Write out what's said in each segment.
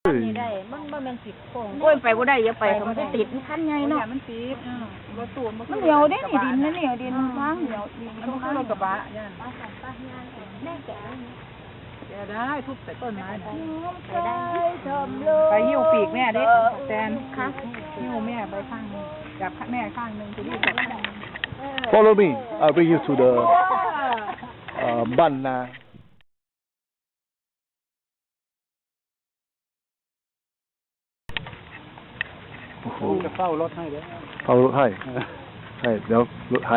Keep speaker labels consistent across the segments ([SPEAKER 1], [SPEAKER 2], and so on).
[SPEAKER 1] นี่ได้มันเป็นสิบโค้งโอ้ยไปบ่ได้อย่าไปมันจะติดขั้นใหญ่เนาะมันติดรถตู้มันเหนียวเด้นี่ดินนั่นเหนียวดินฟ้าเหนียวดินมันคือรถกระบะย่านแม่แก่ได้ทุบใส่ต้นไม้ไปหิ้วปีกแม่เด้แตนค่ะหิ้วแม่ไปข้างนึงจับแม่ข้างนึงจะรีบจับ
[SPEAKER 2] Follow me. I'll bring you to the Banna. โอ้โหจะเฝ้ารถให้เด้อเฝ้ารถให้ให้เดี๋ยวรถให้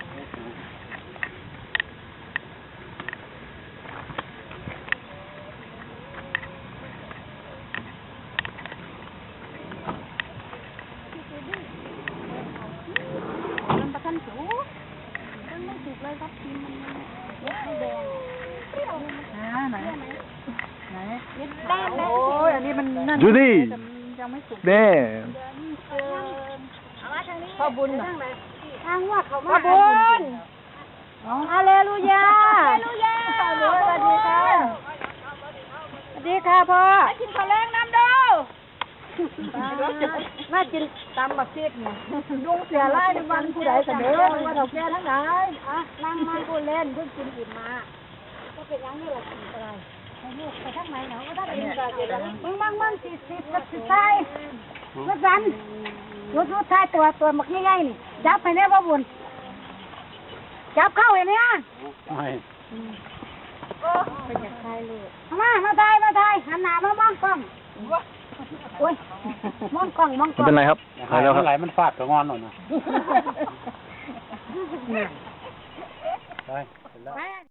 [SPEAKER 2] จูดี้แน่
[SPEAKER 1] พ่อบุญทางว่าเขามาพ่อบุญฮาเลลูยาฮาเลลูยาสวัสดีค่ะสวัสดีค่ะพ่อกินข้าวแรงน้ำเด้อน่ากินตำบักซีดเนี่ยลุงเสียไล่ในวันผู้ใดเสนอว่าดอกแก่ทั้งหลายนั่งมาพูดเล่นเพิ่งกินอิ่มมาก็เป็นยังนี่แหละกินอะไรไปทางไหนเนาะก็ได้กินกันมึงสิใช่รถสันรถท้ายตัวมักง่ายๆนี่จับไปเนี่ยพ่อบุญจับเข้าเห็นไหมไม่เป็นอย่างไรเลยมาถ่ายหันหน้ามามองกล้องโอ้ยมองกล้อง
[SPEAKER 2] เป็นไรครับหายแล้วครับ
[SPEAKER 3] ไหลมันฟาดกับงอนหน่อยนะ